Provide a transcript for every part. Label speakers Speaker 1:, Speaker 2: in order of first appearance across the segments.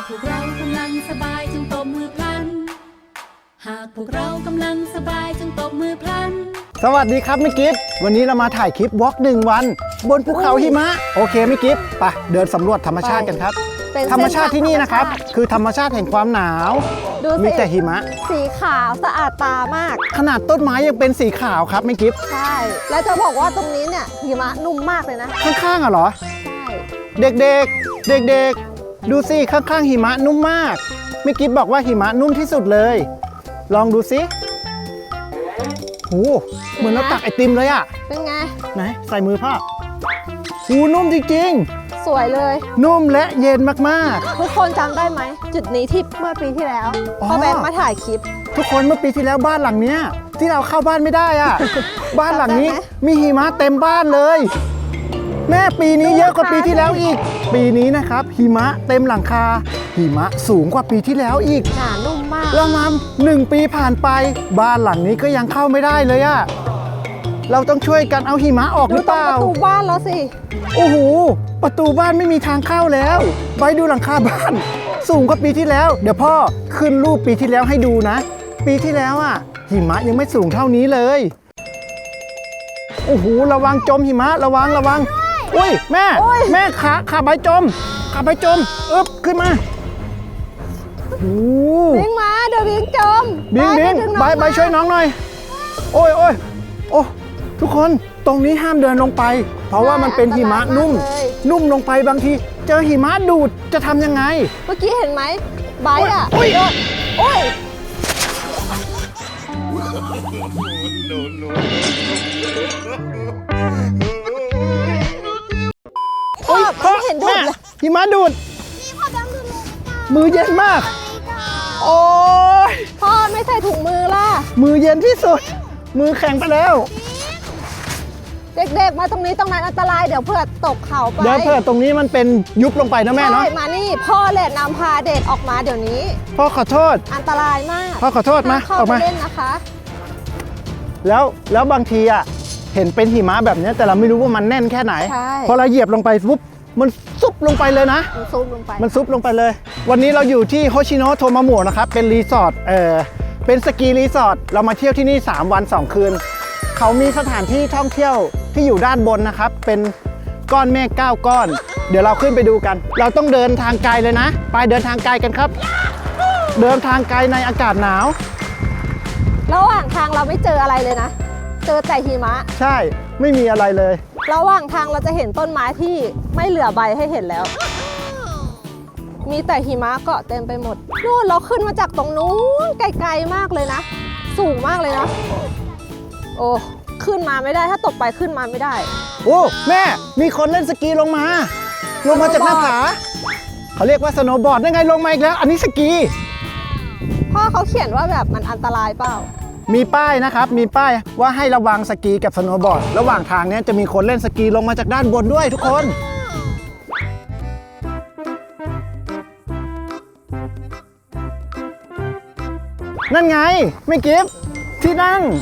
Speaker 1: พวกเรากำลังสบายจงตบมือพลันหากพวกเรากำลังสบายจงตบมือพลัน
Speaker 2: สวัสดีครับมิกิฟวันนี้เรามาถ่ายคลิปวอล์ก1 วันบนภูเขาหิมะโอเคมิกิฟไปเดินสำรวจธรรมชาติกันครับธรรมชาติที่นี่นะครับคือธรรมชาติแห่งความหนาวมีแต่หิมะ
Speaker 3: สีขาวสะอาดตามาก
Speaker 2: ขนาดต้นไม้ยังเป็นสีขาวครับมิกิฟ
Speaker 3: ใช่แล้วจะบอกว่าตรงนี้เนี่ยหิมะนุ่มมากเลยนะ
Speaker 2: ข้างๆอ่ะเหรอ
Speaker 3: ใช่
Speaker 2: เด็กๆดูสิข้างๆหิมะนุ่มมากมิกิฟบอกว่าหิมะนุ่มที่สุดเลยลองดูสิโหเหมือนเราตักไอติมเลยอ่ะ
Speaker 3: เป็นไง
Speaker 2: ไหนใส่มือพ่อหูนุ่มจริง
Speaker 3: ๆสวยเลย
Speaker 2: นุ่มและเย็นมาก
Speaker 3: ๆทุกคนจำได้ไหมจุดนี้ที่เมื่อปีที่แล้วพ่อแบงค์มาถ่ายคลิป
Speaker 2: ทุกคนเมื่อปีที่แล้วบ้านหลังเนี้ยที่เราเข้าบ้านไม่ได้อ่ะ บ้านหลังนี้มีหิมะเต็มบ้านเลยแม่ปีนี้เยอะกว่าปีที่แล้วอีกปีนี้นะครับหิมะเต็มหลังคาหิมะสูงกว่าปีที่แล้วอีก
Speaker 3: หนานุ่มมาก
Speaker 2: แล้วมา1 ปีผ่านไปบ้านหลังนี้ก็ยังเข้าไม่ได้เลยอะเราต้องช่วยกันเอาหิมะออกหรือเปล่า
Speaker 3: ประตูบ้านแล้วสิ
Speaker 2: โอ้โหประตูบ้านไม่มีทางเข้าแล้วไปดูหลังคาบ้านสูงกว่าปีที่แล้วเดี๋ยวพ่อขึ้นรูปปีที่แล้วให้ดูนะปีที่แล้วอะหิมะยังไม่สูงเท่านี้เลยโอ้โหระวังจมหิมะระวังอุ้ยแม่ขาใบจมขึ้นมา
Speaker 3: บิงมาเดี๋ยวบิงจม
Speaker 2: บิงใบช่วยน้องหน่อยโอ้ทุกคนตรงนี้ห้ามเดินลงไปเพราะว่ามันเป็นหิมะนุ่มลงไปบางทีเจอหิมะดูดจะทำยังไง
Speaker 3: เมื่อกี้เห็นไหมใบอ่ะโอ้ยพ่อเห็นดูดเลย
Speaker 2: หิมะดูดมือเย็นมากโอ้ย
Speaker 3: พ่อไม่ใส่ถุงมือล่ะ
Speaker 2: มือเย็นที่สุดมือแข็งไปแล้ว
Speaker 3: เด็กๆมาตรงนี้ตรงนั้นอันตรายเดี๋ยวเผื่อตกเขาไป
Speaker 2: เดี๋ยวเผื่อตรงนี้มันเป็นยุบลงไปนะแม่เนาะ
Speaker 3: ใช่มานี่พ่อแหละนำพาเด็กออกมาเดี๋ยวนี้
Speaker 2: พ่อขอโทษ
Speaker 3: อันตรายมาก
Speaker 2: พ่อขอโทษมา
Speaker 3: ออกมาเล่นนะคะ
Speaker 2: แล้วบางทีอ่ะเห็นเป็นหิมะแบบนี้แต่เราไม่รู้ว่ามันแน่นแค่ไหนพอเราเหยียบลงไปปุ๊บมันซุบลงไปเลยนะ
Speaker 3: มันซุบล
Speaker 2: งไปเลยวันนี้เราอยู่ที่โฮชิโนะโทมาโมะนะครับเป็นรีสอร์ทเป็นสกีรีสอร์ทเรามาเที่ยวที่นี่3 วัน 2 คืนเขามีสถานที่ท่องเที่ยวที่อยู่ด้านบนนะครับเป็นก้อนเมฆ9 ก้อนเดี๋ยวเราขึ้นไปดูกันเราต้องเดินทางไกลเลยนะไปเดินทางไกลกันครับเดินทางไกลในอากาศหนาว
Speaker 3: ระหว่างทางเราไม่เจออะไรเลยนะเจอแต่หิมะ
Speaker 2: ใช่ไม่มีอะไรเลย
Speaker 3: ระหว่างทางเราจะเห็นต้นไม้ที่ไม่เหลือใบให้เห็นแล้วมีแต่หิมะเกาะเต็มไปหมดนู่นเราขึ้นมาจากตรงนู้นไกลๆมากเลยนะสูงมากเลยนะโอ้ขึ้นมาไม่ได้ถ้าตกไปขึ้นมาไม่ได้
Speaker 2: โอ้แม่มีคนเล่นสกีลงมาจากหน้าผาเขาเรียกว่าสโนว์บอร์ดได้ไงลงมาอีกแล้วอันนี้สกี
Speaker 3: พ่อเขาเขียนว่าแบบมันอันตรายเปล่า
Speaker 2: มีป้ายนะครับมีป้ายว่าให้ระวังสกีกับสโนว์บอร์ดระหว่างทางนี้จะมีคนเล่นสกีลงมาจากด้านบนด้วยทุกคนนั่นไงไม่กิฟที่นั่ง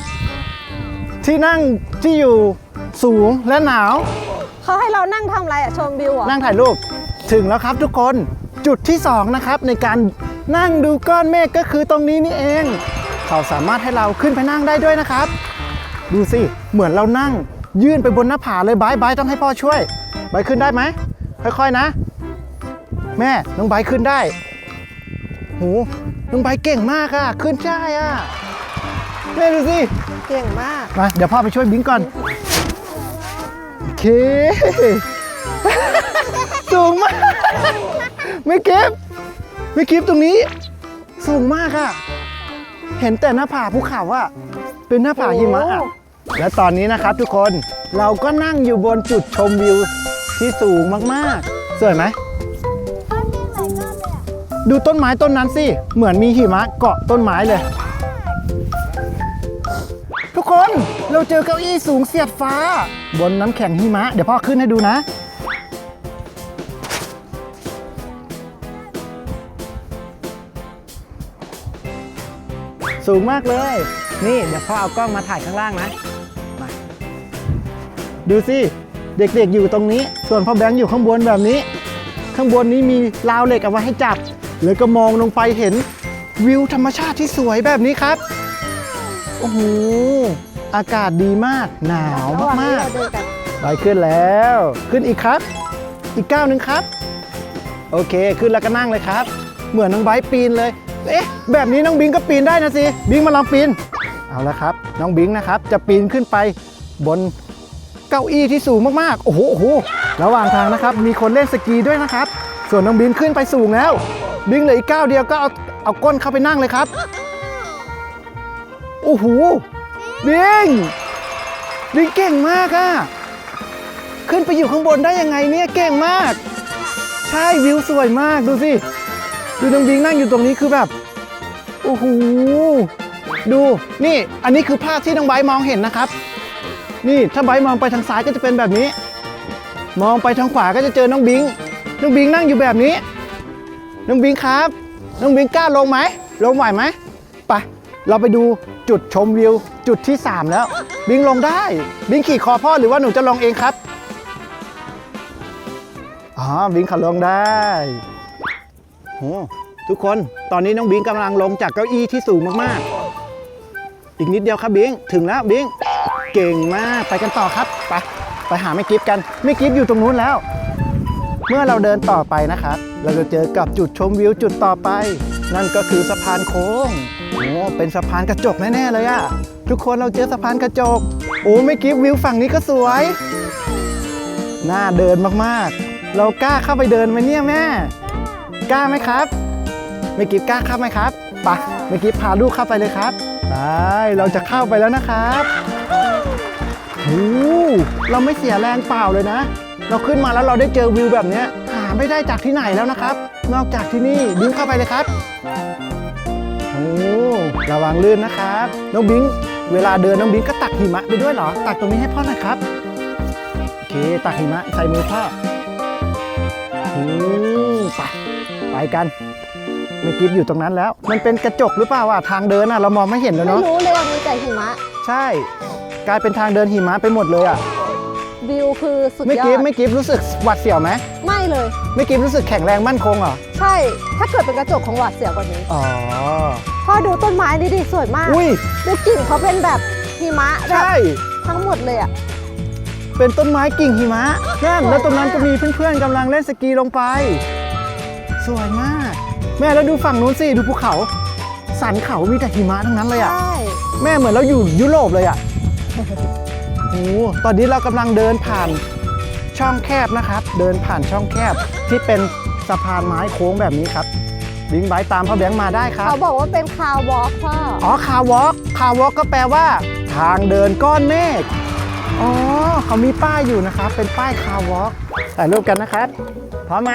Speaker 2: ที่อยู่สูงและหนาว
Speaker 3: เขาให้เรานั่งทำอะไรอะชมวิวอะ
Speaker 2: นั่งถ่ายรูปถึงแล้วครับทุกคนจุดที่2นะครับในการนั่งดูก้อนเมฆก็คือตรงนี้นี่เองเขาสามารถให้เราขึ้นไปนั่งได้ด้วยนะครับดูสิเหมือนเรานั่งยื่นไปบนหน้าผาเลยบายต้องให้พ่อช่วยบายขึ้นได้ไหมค่อยๆนะแม่น้องบายขึ้นได้โหน้องบายเก่งมากอะขึ้นได้อะแม่ดูสิ
Speaker 3: เก่งมาก
Speaker 2: มาเดี๋ยวพ่อไปช่วยบิงก่อนโอเคสูงมากไม่เก็บตรงนี้สูงมากอะเห็นแต่หน้าผาภูเขาอะเป็นหน้าผาหิมะอะและตอนนี้นะครับทุกคนเราก็นั่งอยู่บนจุดชมวิวที่สูงมากๆสวยไหมดูต้นไม้ต้นนั้นสิเหมือนมีหิมะเกาะต้นไม้เลยทุกคนเราเจอเก้าอี้สูงเสียดฟ้าบนน้ำแข็งหิมะเดี๋ยวพ่อขึ้นให้ดูนะสูงมากเลยนี่เดี๋ยวพ่อเอากล้องมาถ่ายข้างล่างนะมาดูสิเด็กๆอยู่ตรงนี้ส่วนพ่อแบงค์อยู่ข้างบนแบบนี้ข้างบนนี้มีราวเหล็กเอาไว้ให้จับแล้วก็มองลงไปเห็นวิวธรรมชาติที่สวยแบบนี้ครับโอ้โหอากาศดีมากหนาว
Speaker 3: ระหว่างที่
Speaker 2: มาก
Speaker 3: เราเดินกัน
Speaker 2: ๆได้ขึ้นแล้วขึ้นอีกครับ อีกก้าวหนึ่งครับโอเคขึ้นแล้วก็นั่งเลยครับเหมือนน้องไบร์ทปีนเลยเอ๊ะแบบนี้น้องบิงก็ปีนได้นะสิบิงมาลองปีนเอาละครับน้องบิงนะครับจะปีนขึ้นไปบนเก้าอี้ที่สูงมากๆโอ้โหโอ้โหระหว่างทางนะครับมีคนเล่นสกีด้วยนะครับส่วนน้องบิงขึ้นไปสูงแล้วบิงเหลืออีกก้าวเดียวก็เอาก้นเข้าไปนั่งเลยครับโอ้โหบิงเก่งมากอะขึ้นไปอยู่ข้างบนได้ยังไงเนี่ยเก่งมากใช่วิวสวยมากดูสิดูน้องบิงนั่งอยู่ตรงนี้คือแบบโอ้โหดูนี่อันนี้คือภาพที่น้องไบร์ทมองเห็นนะครับนี่ถ้าไบร์ทมองไปทางซ้ายก็จะเป็นแบบนี้มองไปทางขวาก็จะเจอน้องบิงนั่งอยู่แบบนี้น้องบิงครับน้องบิงกล้าลงไหมลงไหวไหมไปเราไปดูจุดชมวิวจุดที่3แล้วบิงลงได้บิงขี่คอพ่อหรือว่าหนูจะลงเองครับอ๋อบิงเขาลงได้โอ้ทุกคนตอนนี้น้องบิงกำลังลงจากเก้าอี้ที่สูงมากๆอีกนิดเดียวครับบิงถึงแล้วบิงเก่งมากไปกันต่อครับไปหาแม่กิฟกันแม่กิฟอยู่ตรงนู้นแล้วเมื่อเราเดินต่อไปนะครับเราจะเจอกับจุดชมวิวจุดต่อไปนั่นก็คือสะพานโค้งโอ้เป็นสะพานกระจกแน่ๆเลยอะทุกคนเราเจอสะพานกระจกโอ้แม่กิฟวิวฝั่งนี้ก็สวยน่าเดินมากๆเรากล้าเข้าไปเดินไหมเนี่ยแม่กล้าไหมครับแม่กิฟกล้าเข้าไหมครับไปแม่กิฟพาลูกเข้าไปเลยครับไปเราจะเข้าไปแล้วนะครับโอ้เราไม่เสียแรงเปล่าเลยนะเราขึ้นมาแล้วเราได้เจอวิวแบบนี้หาไม่ได้จากที่ไหนแล้วนะครับนอกจากที่นี่บิงเข้าไปเลยครับโอ้ระวังลื่นนะครับน้องบิงเวลาเดินน้องบิงก็ตักหิมะไปด้วยเหรอตักตรงนี้ให้พ่อหน่อยครับโอเคตักหิมะใส่มือพ่อไปกันแม่กิฟอยู่ตรงนั้นแล้วมันเป็นกระจกหรือเปล่าอ่ะทางเดินอ่ะเรามองไม่เห็นแล้ว
Speaker 3: ไม่
Speaker 2: เนาะ
Speaker 3: รู้เลยว่ามีแต่หิมะ
Speaker 2: ใช่กลายเป็นทางเดินหิมะไปหมดเลยอ่ะ
Speaker 3: วิวคือสุดย
Speaker 2: ไม่
Speaker 3: อ
Speaker 2: กิฟ
Speaker 3: ด
Speaker 2: ไม่กิฟรู้สึกหวาดเสียวไหม
Speaker 3: ไม่เลย
Speaker 2: ไม่กิฟรู้สึกแข็งแรงมั่นคงเหรอ
Speaker 3: ใช่ ถ้าเกิดเป็นกระจกของหวาดเสียวกว่านี้
Speaker 2: อ๋อ
Speaker 3: พ่อดูต้นไม้นี่ดิสวยมาก
Speaker 2: อุ้ย
Speaker 3: ดูกิ่งเขาเป็นแบบหิมะแบบ
Speaker 2: ใช่
Speaker 3: ทั้งหมดเลยอ่ะ
Speaker 2: เป็นต้นไม้กิ่งหิมะนั่นแล้วตรงนั้นก็มีเพื่อนๆกำลังเล่นสกีลงไปสวยมากแม่แล้วดูฝั่งนู้นสิดูภูเขาสันเขามีแต่หิมะทั้งนั้นเลยอ่ะ
Speaker 3: ใช่
Speaker 2: แม่เหมือนเราอยู่ยุโรปเลยอ่ะ โอ้ตอนนี้เรากำลังเดินผ่านช่องแคบนะครับ เดินผ่านช่องแคบที่เป็นสะพานไม้โค้งแบบนี้ครับบิงไบค์ตามพ่อแบงค์มาได้ครับ
Speaker 3: เขาบอกว่าเป็นคาววอล์กพ่อ
Speaker 2: อ๋อคาวอล์กก็แปลว่า ทางเดินก้อนเมฆอ๋อเขามีป้ายอยู่นะครับเป็นป้ายคาวอล์กถ่ายรูปกันนะครับพร้อมไหม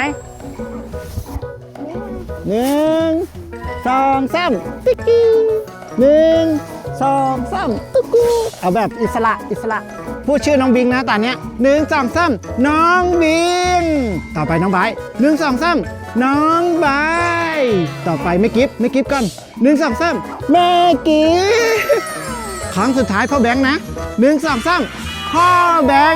Speaker 2: 1 2 3ติ๊กกี้1 2 3ตุ๊กกูเอาแบบอิสระพูดชื่อน้องบิงนะตอนเนี้ย1 2 3น้องบิงต่อไปน้องไบร์ท1 2 3น้องไบร์ทต่อไปไม่กิฟก่อน1 2 3แม่กิฟครั้งสุดท้ายพ่อแบงค์นะ1 2 3พ่อแบงค์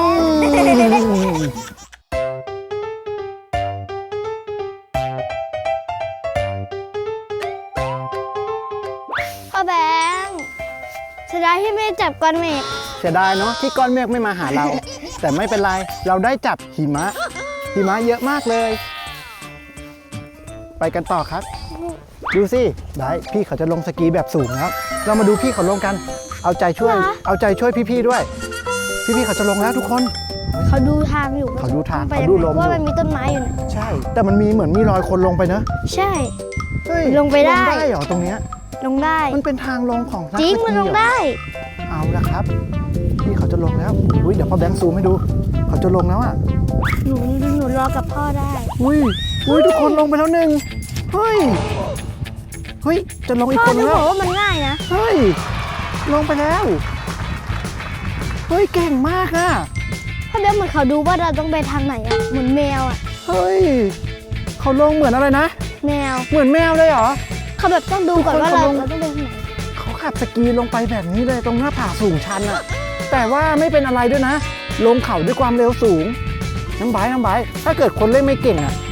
Speaker 4: พ่อแบงค์เสียดายที่ไม่ได้จับก้อนเมฆ
Speaker 2: เสียดายเนาะที่ก้อนเมฆไม่มาหาเรา แต่ไม่เป็นไรเราได้จับหิมะเยอะมากเลย ไปกันต่อครับ ดูสิได้พี่เขาจะลงสกีแบบสูงแล้วเรามาดูพี่เขาลงกัน เอาใจช่วยพี่ๆด้วย พี่ๆเขาจะลงแล้วทุกคน
Speaker 4: เขาดูทางอยู่
Speaker 2: เขาดูทาง
Speaker 4: ไป
Speaker 2: เขาดูลมอยู่
Speaker 4: ว่ามันมีต้นไม้อยู่นะ
Speaker 2: ใช่ แต่มันมีเหมือนมีรอยคนลงไปเนอะ
Speaker 4: ใช่
Speaker 2: เฮ้ย
Speaker 4: ลงไปได้
Speaker 2: เหรอตรงเนี้ย
Speaker 4: ลงได้
Speaker 2: มันเป็นทางลงของนัก
Speaker 4: จริง
Speaker 2: สกี
Speaker 4: มันลง
Speaker 2: เหรอ
Speaker 4: ได้
Speaker 2: เอาละครับ พี่เขาจะลงแล้วอุ้ยเดี๋ยวพ่อแบงค์ซูมให้ดู เขาจะลงแล้วอ่ะ
Speaker 4: หนูรอกับพ่อได้
Speaker 2: อุ้ยทุกคนลงไปแล้วหนึ่งเฮ้ยจะลงอีก
Speaker 4: พ่อ
Speaker 2: คน
Speaker 4: จะ
Speaker 2: แล้
Speaker 4: บ
Speaker 2: ว
Speaker 4: อกว่ามันง่ายนะ
Speaker 2: เฮ้ยลงไปแล้วเฮ้ยเก่งมากอ่ะ
Speaker 4: พ่อแบงค์เหมือนเขาดูว่าเราต้องไปทางไหนอะเหมือนแมวอะ
Speaker 2: เฮ้ยเขาลงเหมือนอะไรนะ
Speaker 4: แมว
Speaker 2: เหมือนแมวเลยเหรอ
Speaker 4: เขาแบบต้องดูก่อนว่าเรา
Speaker 2: ทุกคน
Speaker 4: ต้องไปทางไหน
Speaker 2: เขาขับสกีลงไปแบบนี้เลยตรงหน้าผาสูงชันอ่ะแต่ว่าไม่เป็นอะไรด้วยนะลงเขาด้วยความเร็วสูงน้ำไบร์ทถ้าเกิดคนเล่นไม่เก่งอ่ะ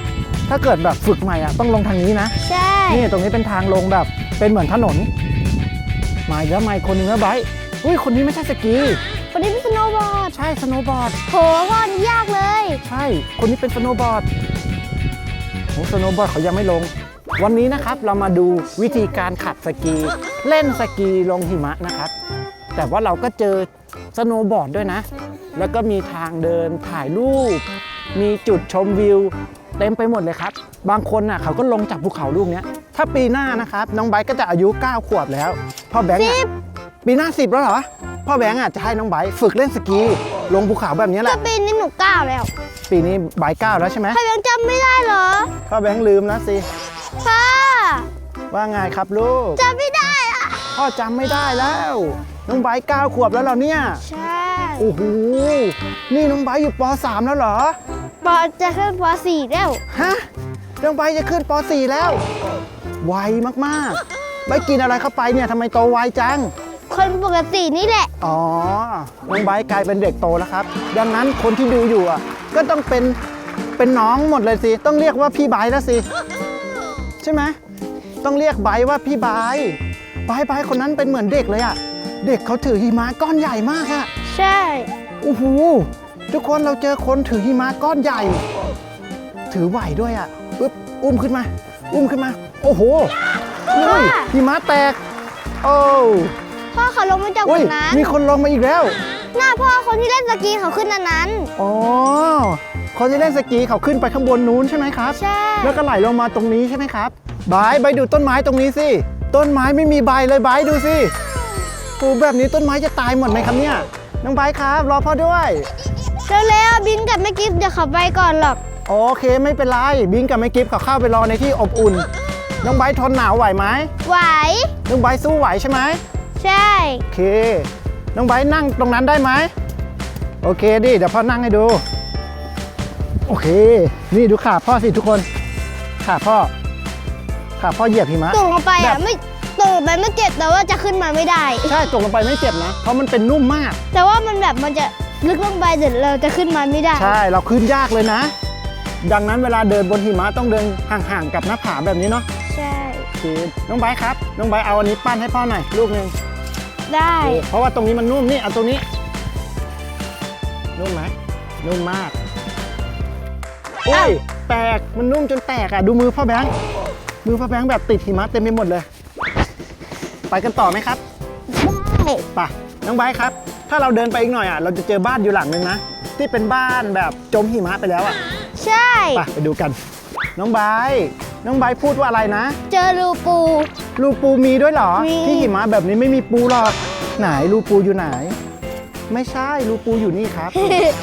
Speaker 2: ถ้าเกิดแบบฝึกใหม่อ่ะต้องลงทางนี้นะ
Speaker 4: ใช่
Speaker 2: นี่ตรงนี้เป็นทางลงแบบเป็นเหมือนถนนมาอีกแล้วมาอีกคนนึงแล้วไบร์ทอุ้ยคนนี้ไม่ใช่สกี
Speaker 4: วันนี้เป็นสโนว์บอร์ด
Speaker 2: ใช่สโนว์บอร์ด
Speaker 4: โหพ่อนี่ยากเลย
Speaker 2: ใช่คนนี้เป็นสโนว์บอร์ดโอ้สโนว์บอร์ดเขายังไม่ลง วันนี้นะครับเรามาดูวิธีการขับสกี เล่นสกีลงหิมะนะครับ แต่ว่าเราก็เจอสโนว์บอร์ดด้วยนะ แล้วก็มีทางเดินถ่ายรูป มีจุดชมวิวเต็มไปหมดเลยครับ บางคนน่ะเขาก็ลงจากภูเขาลูกเนี้ยถ้าปีหน้านะครับน้องไบร์ทก็จะอายุ 9 ขวบแล้วพ่อแบงค์อะปีหน้า 10 แล้วเหรอพ่อแบงค์อ่ะจะให้น้องไบร์ทฝึกเล่นสกีลงภูเขาแบบนี้แห
Speaker 4: ก็
Speaker 2: ละ
Speaker 4: ปีนี้หนูก้าวแล้ว
Speaker 2: ปีนี้ไบร์ท 9 แล้วใช่ไหม
Speaker 4: พ่อยังจำไม่ได้เหรอ
Speaker 2: พ่อแบงค์ลืมแล้วสิ
Speaker 4: พ่อ
Speaker 2: ว่าไงครับลูก
Speaker 4: จำไม่ได้อะ
Speaker 2: พ่อจำไม่ได้แล้วน้องไบร์ท 9 ขวบแล้วเหรอเนี่ย
Speaker 4: ใช่
Speaker 2: โอ้โหนี่น้องไบร์ทอยู่ป .3 แล้วเหรอ
Speaker 4: ปอจะขึ้นป .4 แล้ว
Speaker 2: ฮะน้องไบร์ทจะขึ้นป .4 แล้วไวมากๆไบร์ทกินอะไรเข้าไปเนี่ยทำไมโตไวจัง
Speaker 4: คนปกตินี่แหละ
Speaker 2: อ๋อ น้องไบร์ทกลายเป็นเด็กโตแล้วครับ ดังนั้นคนที่ดูอยู่อ่ะก็ต้องเป็นน้องหมดเลยสิ ต้องเรียกว่าพี่ไบร์ทแล้วสิ ใช่ไหมต้องเรียกไบร์ทว่าพี่ไบร์ทไบร์ทคนนั้นเป็นเหมือนเด็กเลยอ่ะ เด็กเขาถือหิมะก้อนใหญ่มากอ่ะ
Speaker 4: ใช่
Speaker 2: โอ้โห ทุกคนเราเจอคนถือหิมะก้อนใหญ่ ถือไหวด้วยอ่ะปึ๊บอุ้มขึ้นมา โอ้โหอุ้ยหิมะแตก โอ้
Speaker 4: พ่อเขาลงมาจากบ
Speaker 2: อุ้ย
Speaker 4: นนั้น
Speaker 2: มีคนลงมาอีกแล้ว
Speaker 4: หน้าพ่อคนที่เล่นสกีเขาขึ้นอันนั้น
Speaker 2: อ๋อ คนที่เล่นสกีเขาขึ้นไปข้างบนนู้นใช่ไหมครับ
Speaker 4: ใช่
Speaker 2: แล้วก็ไหลลงมาตรงนี้ใช่ไหมครับบายไปดูต้นไม้ตรงนี้สิ ต้นไม้ไม่มีใบเลยบายดูสิโอ้แบบนี้ต้นไม้จะตายหมดไหมครับเนี่ย น้องบายครับรอพ่อด้วย
Speaker 4: เร็วๆบินกับแม่กิฟต์เดี๋ยวเขาไปก่อนหรอก
Speaker 2: โอเคไม่เป็นไร บิงกับแม่กิฟต์เขาเข้าไปรอในที่อบอุ่น น้องบายทนหนาวไหวไหม
Speaker 4: ไหว
Speaker 2: น้องบายสู้ไหวใช่ไหม
Speaker 4: ใช่
Speaker 2: โอเค น้องบายนั่งตรงนั้นได้ไหมโอเคดิ เดี๋ยวพ่อนั่งให้ดู โอเค นี่ดูขาพ่อสิทุกคน ขาพ่อเหยียบหิมะ
Speaker 4: ตกลงไป
Speaker 2: แบ
Speaker 4: อ่ะ
Speaker 2: บ
Speaker 4: ไม่ตกลงไปไม่เจ็บแต่ว่าจะขึ้นมาไม่ได้
Speaker 2: ใช่ตกลงไปไม่เจ็บนะ เพราะมันเป็นนุ่มมาก
Speaker 4: แต่ว่ามันแบบมันจะลึกลงไปเดี๋ยวเราจะขึ้นมาไม่ได้
Speaker 2: ใช่ เราขึ้นยากเลยนะ ดังนั้นเวลาเดินบนหิมะต้องเดินห่างๆกับหน้าผาแบบนี้เนาะ
Speaker 4: ใช่
Speaker 2: โอเคน้องไบร์ทครับ น้องไบร์ทเอาอันนี้ปั้นให้พ่อหน่อยลูกหนึ่ง
Speaker 4: ได้
Speaker 2: เพราะว่าตรงนี้มันนุ่มนี่เอาตรงนี้ นุ่มไหมนุ่มมากอุ้ยแตกมันนุ่มจนแตกอ่ะดูมือพ่อแบงค์แบบติดหิมะเต็มไปหมดเลย ไปกันต่อไหมครับ
Speaker 4: ได้
Speaker 2: ไปน้องไบร์ทครับ ถ้าเราเดินไปอีกหน่อยอ่ะเราจะเจอบ้านอยู่หลังนึงนะที่เป็นบ้านแบบจมหิมะไปแล้วอ่ะ
Speaker 4: ใช่
Speaker 2: ไปดูกัน น้องไบร์ทพูดว่าอะไรนะ
Speaker 4: เจอรูปู
Speaker 2: รูปูมีด้วยเหรอ
Speaker 4: มี
Speaker 2: ที่หิมะแบบนี้ไม่มีปูหรอกไหนรูปูอยู่ไหน ไม่ใช่รูปูอยู่นี่ครับ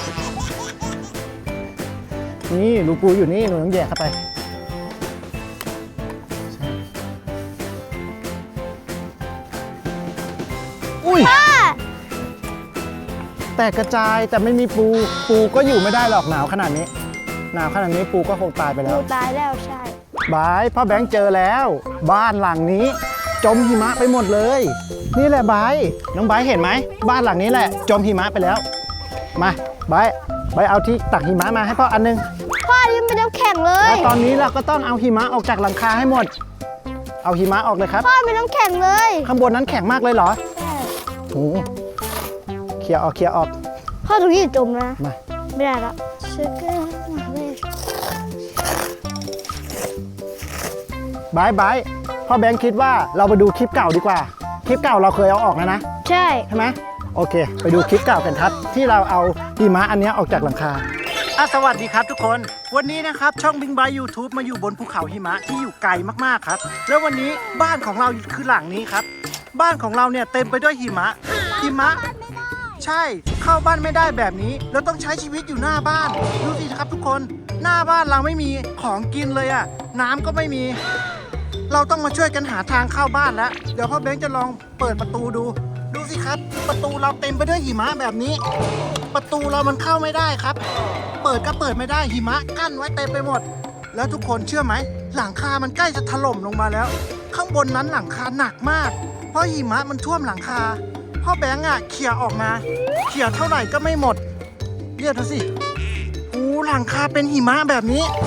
Speaker 2: นี่รูปูอยู่นี่หนูต้องแยกเข้าไปใช่อุ้ยแต่กระจายแต่ไม่มีปูก็อยู่ไม่ได้หรอกหนาวขนาดนี้ปูก็คงตายไปแล้
Speaker 4: ปู
Speaker 2: ว
Speaker 4: ตายแล้วใช่
Speaker 2: บายพ่อแบงค์เจอแล้ว บ้านหลังนี้ จมหิมะไปหมดเลย นี่แหละบายน้องบายเห็นไหมบ้านหลังนี้แหละ จมหิมะไปแล้ว มาบายเอาที่ตักหิมะมาให้พ่ออันนึง
Speaker 4: พ่อยังเป็นน้ำแข็งเลย
Speaker 2: แล้วตอนนี้เราก็ต้องเอาหิมะออกจากหลังคาให้หมด เอาหิมะออกเลยครับ
Speaker 4: พ่อเป็นน้ำแข็งเลย
Speaker 2: ข้างบนนั้นแข็งมากเลยเหรอ
Speaker 4: ใช่
Speaker 2: โอ้เคลียร์ออก
Speaker 4: พ่อตรงนี้จมนะ
Speaker 2: มา
Speaker 4: ไม่ได้ละชื่อเกอร์เลย
Speaker 2: บายพ่อแบงค์คิดว่าเราไปดูคลิปเก่าดีกว่า คลิปเก่าเราเคยเอาออกแล้วนะ
Speaker 4: ใช่
Speaker 2: ใช่ไหมโอเค ไปดูคลิปเก่ากันครับที่เราเอาหิมะอันเนี้ยออกจากหลังคาสวัสดีครับทุกคน วันนี้นะครับช่องบิงบาย YouTube มาอยู่บนภูเขาหิมะที่อยู่ไกลมากๆครับแล้ววันนี้บ้านของเราคือหลังนี้ครับบ้านของเราเนี่ยเต็มไปด้วยหิมะใช่เข้าบ้านไม่ได้แบบนี้เราต้องใช้ชีวิตอยู่หน้าบ้านดูสิครับทุกคนหน้าบ้านเราไม่มีของกินเลยอะน้ำก็ไม่มี เราต้องมาช่วยกันหาทางเข้าบ้านแล้วเดี๋ยวพ่อเบ้งจะลองเปิดประตูดูสิครับประตูเราเต็มไปด้วยหิมะแบบนี้ ประตูเรามันเข้าไม่ได้ครับ เปิดก็เปิดไม่ได้หิมะกั้นไว้เต็มไปหมด แล้วทุกคนเชื่อไหมหลังคามันใกล้จะถล่มลงมาแล้ว ข้างบนนั้นหลังคาหนักมาก เพราะหิมะมันท่วมหลังคาพ่อแบงค์อ่ะเขี่ยออกมาเขี่ยเท่าไหร่ก็ไม่หมดเรียกดูสิหลังคาเป็นหิมะแบบนี้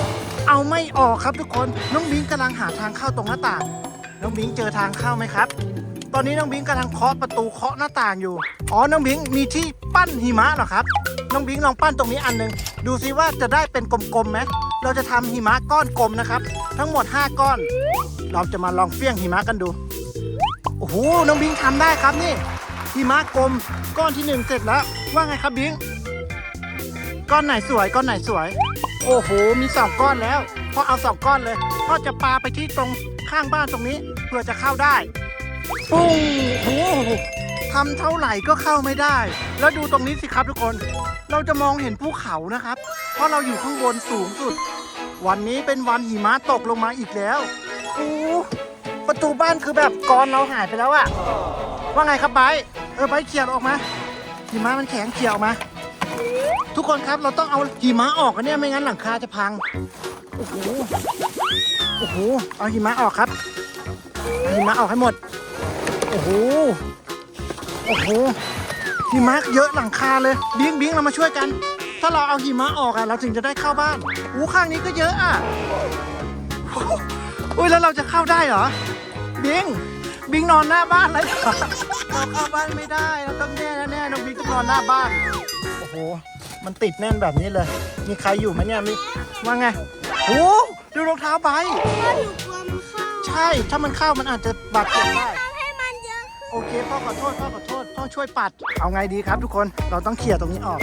Speaker 2: เอาไม่ออกครับทุกคนน้องบิงกำลังหาทางเข้าตรงหน้าต่างน้องบิงเจอทางเข้าไหมครับ ตอนนี้น้องบิงกำลังเคาะประตูเคาะหน้าต่างอยู่อ๋อน้องบิงมีที่ปั้นหิมะเหรอครับน้องบิงลองปั้นตรงนี้อันหนึ่งดูซิว่าจะได้เป็นกลมๆไหมเราจะทำหิมะก้อนกลมนะครับทั้งหมด5ก้อนเราจะมาลองเฟี้ยงหิมะกันดูโอ้โหน้องบิงทำได้ครับนี่หิมะกลมก้อนที่1เสร็จแล้วว่าไงครับบิงก้อนไหนสวยก้อนไหนสวยโอ้โหมี2ก้อนแล้วพ่อเอา2ก้อนเลยพ่อจะปาไปที่ตรงข้างบ้านตรงนี้เพื่อจะเข้าได้ปุ้งโอ้โหทำเท่าไหร่ก็เข้าไม่ได้แล้วดูตรงนี้สิครับทุกคนเราจะมองเห็นภูเขานะครับเพราะเราอยู่ข้างบนสูงสุดวันนี้เป็นวันหิมะตกลงมาอีกแล้วโอ้ประตูบ้านคือแบบกรอนเราหายไปแล้วอะว่าไงครับไบร์ทไบร์ทเขี่ยออกมาหิมะมันแข็งเขี่ยออกมาทุกคนครับเราต้องเอาหิมะออกกันเนี่ยไม่งั้นหลังคาจะพังโอ้โหโอ้โหเอาหิมะออกครับเอาหิมะออกให้หมดโอ้โหโอ้โหหิมะเยอะหลังคาเลยบิงเรามาช่วยกันถ้าเราเอาหิมะออกอะเราถึงจะได้เข้าบ้านข้างนี้ก็เยอะอะอุ้ยแล้วเราจะเข้าได้เหรอบิงนอนหน้าบ้านเลยเราเข้าบ้านไม่ได้เราต้องแน่น้องบิงต้องนอนหน้าบ้านโอ้โหมันติดแน่นแบบนี้เลยมีใครอยู่ไหมเนี่ยว่าไงโอ้ดูรองเท้าใบ
Speaker 4: พ่อหนูกลัวมันเข้า
Speaker 2: ใช่ถ้ามันเข้ามันอาจจะบาดเจ็บได้
Speaker 4: ทำให้มันเยอะขึ้น
Speaker 2: โอเคพ่อขอโทษพ่อช่วยปัดเอาไงดีครับทุกคนเราต้องเขี่ยตรงนี้ออก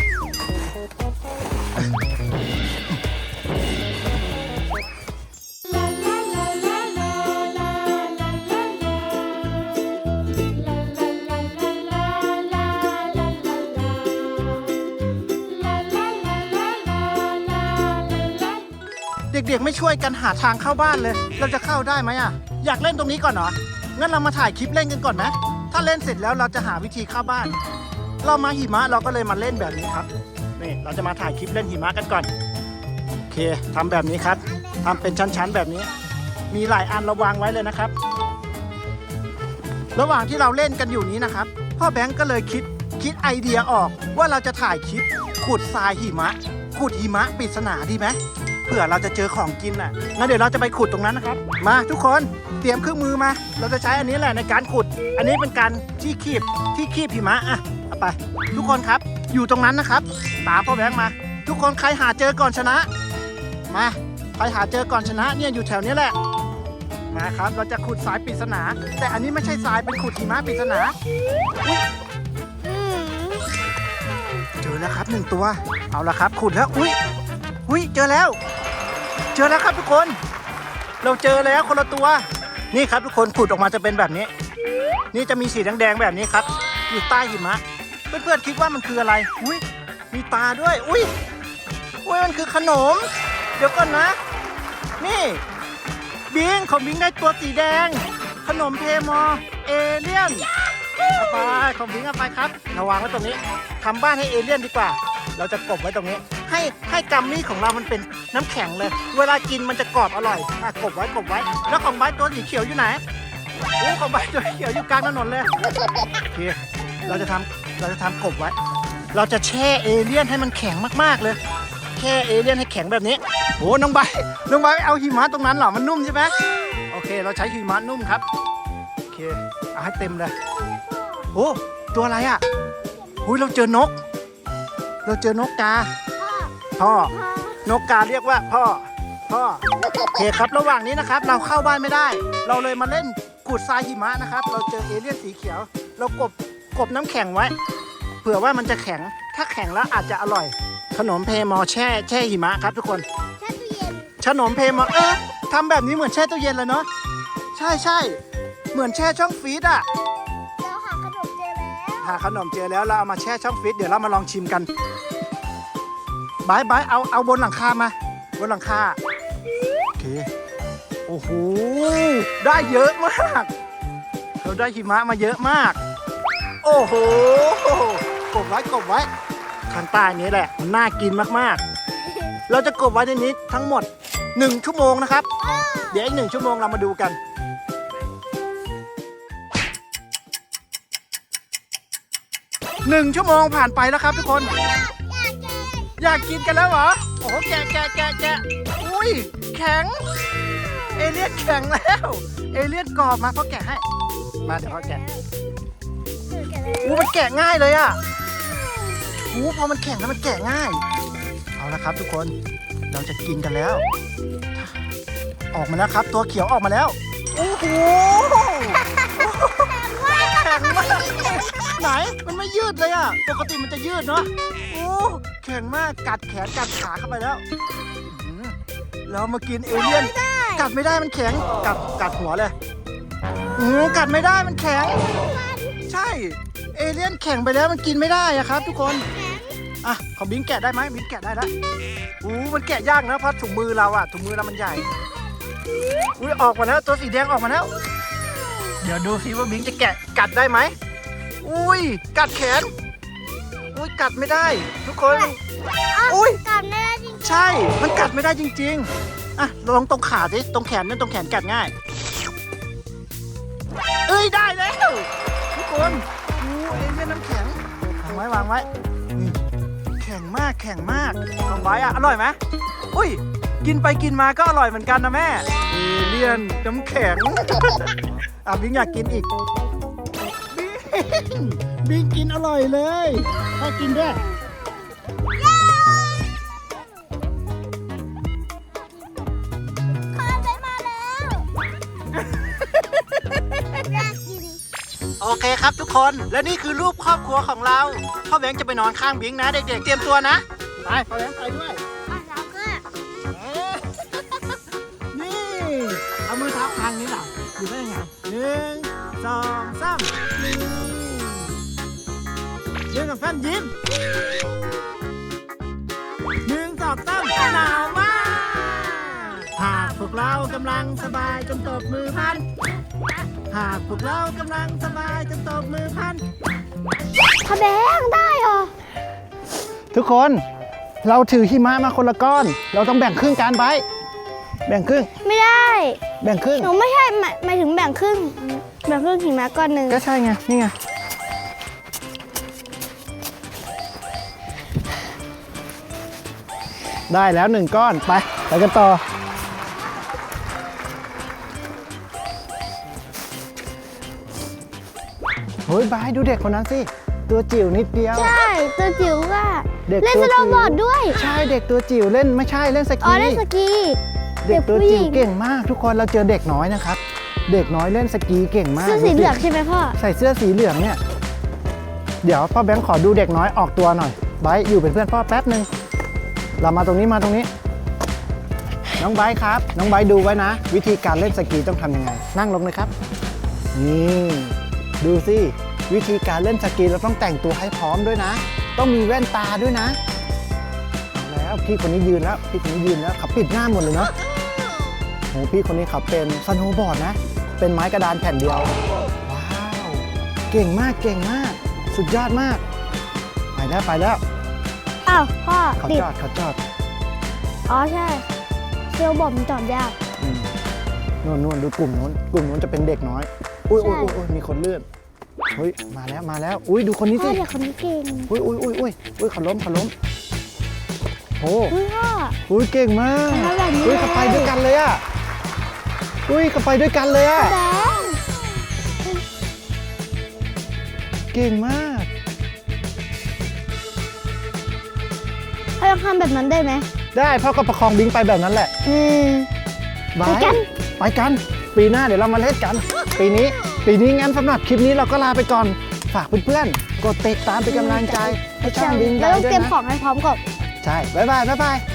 Speaker 2: เด็กๆไม่ช่วยกันหาทางเข้าบ้านเลยเราจะเข้าได้ไหมอ่ะอยากเล่นตรงนี้ก่อนเหรองั้นเรามาถ่ายคลิปเล่นกันก่อนนะถ้าเล่นเสร็จแล้วเราจะหาวิธีเข้าบ้านเรามาหิมะเราก็เลยมาเล่นแบบนี้ครับนี่เราจะมาถ่ายคลิปเล่นหิมะกันก่อนโอเคทำแบบนี้ครับทำเป็นชั้นๆแบบนี้มีหลายอันเราวางไว้เลยนะครับระหว่างที่เราเล่นกันอยู่นี้นะครับพ่อแบงก์ก็เลยคิดไอเดียออกว่าเราจะถ่ายคลิปขุดทรายหิมะขุดหิมะปริศนาดีไหมเผื่อเราจะเจอของกินน่ะงั้นเดี๋ยวเราจะไปขุดตรงนั้นนะครับมาทุกคนเตรียมเครื่องมือมาเราจะใช้อันนี้แหละในการขุดอันนี้เป็นการที่คีบหิมะอ่ะเอาไปทุกคนครับอยู่ตรงนั้นนะครับตามพ่อแบงค์มาทุกคนใครหาเจอก่อนชนะมาใครหาเจอก่อนชนะเนี่ยอยู่แถวนี้แหละมาครับเราจะขุดทรายปริศนาแต่อันนี้ไม่ใช่ทรายเป็นขุดหิมะปริศนาเจอแล้วครับ1ตัวเอาละครับขุดแล้วอุ้ยเจอแล้วครับทุกคนเราเจอแล้วคนละตัวนี่ครับทุกคนขุดออกมาจะเป็นแบบนี้นี่จะมีสีแดงๆแบบนี้ครับอยู่ใต้หิมะเพื่อนๆคิดว่ามันคืออะไรอุ้ยมีตาด้วยอุ้ยมันคือขนมเดี๋ยวก่อนนะนี่บิงของบิงได้ตัวสีแดงขนมเทมอเอเลี่ยนเอาไปของบิงเอาไปครับระวังไว้ตรงนี้ทำบ้านให้เอเลี่ยนดีกว่าเราจะกบไว้ตรงนี้ให้กัมมี่ของเรามันเป็นน้ำแข็งเลยเวลากินมันจะกรอบอร่อยกบไว้แล้วของใบตัวสีเขียวอยู่ไหนของใบตัวเขียวอยู่กลางถนนเลยโอเคเราจะทำกบไว้เราจะแช่เอเลี่ยนให้มันแข็งมากๆเลยแช่เอเลี่ยนให้แข็งแบบนี้โอ้น้องใบเอาหิมะตรงนั้นเหรอมันนุ่มใช่ไหมโอเคเราใช้หิมะนุ่มครับโอเคเอาให้เต็มเลยโอ้ตัวอะไรอ่ะเราเจอนกกาพ่อนกกาเรียกว่าพ่อโอเคครับระหว่างนี้นะครับเราเข้าบ้านไม่ได้เราเลยมาเล่นขุดทรายหิมะนะครับเราเจอเอเลี่ยนสีเขียวเรากบน้ำแข็งไว้เผื่อว่ามันจะแข็งถ้าแข็งแล้วอาจจะอร่อยขนมเพมอแช่หิมะครับทุกคน
Speaker 4: แช่ตู้เย็น
Speaker 2: ขนมเพมอทำแบบนี้เหมือนแช่ตู้เย็นเลยเนาะใช่เหมือนแช่ช่องฟรีซอ่ะ
Speaker 4: เราหาขนมเจอแล้ว
Speaker 2: หาขนมเจอแล้วเราเอามาแช่ช่องฟรีซเดี๋ยวเรามาลองชิมกันบายเอาบนหลังคามาบนหลังคาโอเคโอ้โหได้เยอะมากเราได้หิมะมาเยอะมากโอ้โหกบไว้ข้างใต้นี้แหละมันน่ากินมากๆเราจะกบไว้ในนี้ทั้งหมด1 ชั่วโมงนะครับเดี๋ยวอีก1 ชั่วโมงเรามาดูกัน1 ชั่วโมงผ่านไปแล้วครับทุกคนอยากกินกันแล้วเหรอโอ้โหแกะอุ้ยแข็ง เอเลี่ยนแข็งแล้ว เอเลี่ยนกรอบมาพ่อแกะให้ มาเดี๋ยวพ่อแกะมันแกะง่ายเลยอ่ะพอมันแข็งแล้วมันแกะง่าย เอาละครับทุกคน เราจะกินกันแล้ว ออกมาแล้วครับ ตัวเขียวออกมาแล้ว โอ้โห แข็งมาก ไหน มันไม่ยืดเลยอ่ะ ปกติมันจะยืดเนาะ โอ้ แข็งมาก กัดแขนกัดขาเข้าไปแล้วเรามากินเอเลี่ยน กัดไม่ได้มันแข็ง กัดหัวเลยกัดไม่ได้มันแข็ง ใช่ เอเลี่ยนแข็งไปแล้วมันกินไม่ได้อะครับ ทุกคน อ่ะขอบิงแกะได้ไหมบิงแกะได้แล้วมันแกะยากนะเพราะถุงมือเราอะถุงมือเรามันใหญ่ออกมาแล้วตัวสีแดงออกมาแล้ว เดี๋ยวดูซิว่าบิงจะแกะกัดได้ไหมกัดแขนกัดไม่ได้ ทุกคน
Speaker 4: กัดไม่ได้จริง
Speaker 2: ใช่ มันกัดไม่ได้จริงๆอ่ะลองตรงขาสิตรงแขนนั่นตรงแขนกัดง่ายได้แล้วทุกคนเอเลี่ยนน้ำแข็งวางไว้แข็งมากวางไว้อะอร่อยไหมกินไปกินมาก็อร่อยเหมือนกันนะแม่เอเลี่ยนน้ำแข็งบิงอยากกินอีกบิงกินอร่อยเลยถ้ากินด้วย
Speaker 4: พ่อไปมาแล้วอยากกิน
Speaker 2: โอเคครับทุกคนและนี่คือรูปครอบครัวของเราพ่อแบงค์จะไปนอนข้างบิงนะเด็กๆเตรียมตัวนะไปพ่อแบงค์ไปด้วย
Speaker 4: เราก็
Speaker 2: นี่เอามือเท้าคางนี้หรออยู่ได้ยังไง1 2 3นี่1 2 3ยิ้ม1 2 3หนาวมากหากพวกเรากำลังสบายจนตบมือพันหากพวกเรากำลังสบายจนตบมือพัน
Speaker 4: พ่อแบงค์ได้เหรอ
Speaker 2: ทุกคนเราถือหิมะมาคนละก้อน เราต้องแบ่งครึ่งกันไปแบ่งครึ่ง
Speaker 4: ไม่ได้
Speaker 2: แบ่งครึ่ง
Speaker 4: หนูไม่ใช่หมายถึงแบ่งครึ่งหิมะก้อนหนึ่ง
Speaker 2: ก็ใช่ไงนี่ไงได้แล้ว1ก้อนไปกันต่อบายดูเด็กคนนั้นสิตัวจิ๋วนิดเดียว
Speaker 4: ใช่ตัวจิ๋วก็
Speaker 2: เด็ก
Speaker 4: เล่น
Speaker 2: ตัว
Speaker 4: ส
Speaker 2: จิ๋ว
Speaker 4: โนว์บอร์ดด้วย
Speaker 2: ใช่เด็กตัวจิ๋วเล่นไม่ใช่เล่นส
Speaker 4: อ๋อ
Speaker 2: กี
Speaker 4: เล่นสกี
Speaker 2: เด็กตัวจิ๋ว
Speaker 4: เด็กผู้หญิง
Speaker 2: เก่งมากทุกคนเราเจอเด็กน้อยนะครับ เด็กน้อยเล่นสกีเก่งมาก
Speaker 4: เสื้อสีเหลืองใช่ไหมพ่อ
Speaker 2: ใส่เสื้อสีเหลืองเนี่ยเดี๋ยวพ่อแบงค์ขอดูเด็กน้อยออกตัวหน่อยไบร์ทอยู่เป็นเพื่อนพ่อแป๊บนึงเรามาตรงนี้น้องไบร์ทครับน้องไบร์ทดูไว้นะ วิธีการเล่นสกีต้องทำยังไงนั่งลงเลยครับนี่ดูสิวิธีการเล่นสกีเราต้องแต่งตัวให้พร้อมด้วยนะ ต้องมีแว่นตาด้วยนะเอาแล้วพี่คนนี้ยืนแล้วเขาปิดหน้าหมดเลยเนาะโหพี่คนนี้เขาเป็นสโนว์บอร์ดนะ เป็นไม้กระดานแผ่นเดียวว้าวเก่งมากสุดยอดมากไปแล้ว
Speaker 4: อ้าวพ่อ
Speaker 2: เขา
Speaker 4: ติด
Speaker 2: จอด
Speaker 4: อ๋อใช่สโนว์บอร์ดมันจอดยาก
Speaker 2: นู่นดูกลุ่มนู้นจะเป็นเด็กน้อยอุ้ย
Speaker 4: ใช่
Speaker 2: มีคนเลื่อนมาแล้วอุ้ยดูคนนี้
Speaker 4: พ่
Speaker 2: สิ
Speaker 4: อเด็กคนนี้เก่ง
Speaker 2: อุ้ยเขาล้มโอ้
Speaker 4: พ่อ
Speaker 2: อุ้ยเก่งมาก
Speaker 4: ทำแบบนี้
Speaker 2: อุ้ยเขาไปด้วยกันเลยอ่ะ
Speaker 4: แบงค์
Speaker 2: เก่งมาก
Speaker 4: พ่อยังทำแบบนั้นได้ไหม
Speaker 2: ได้พ่อก็ประคองบิงไปแบบนั้นแหละ
Speaker 4: ไปกัน
Speaker 2: ไปกันปีหน้าเดี๋ยวเรามาเล่นกันปีนี้งั้นสำหรับคลิปนี้เราก็ลาไปก่อนฝากเพื่อนๆกดติดตามเป็นกำลังใจให้ช่องบิง
Speaker 4: แล้ว
Speaker 2: ได้
Speaker 4: ต้อง
Speaker 2: ด้ว
Speaker 4: เตรี
Speaker 2: ย
Speaker 4: ยม
Speaker 2: นะ
Speaker 4: ของให้พร้อมก่อน
Speaker 2: ใช่บ๊ายบาย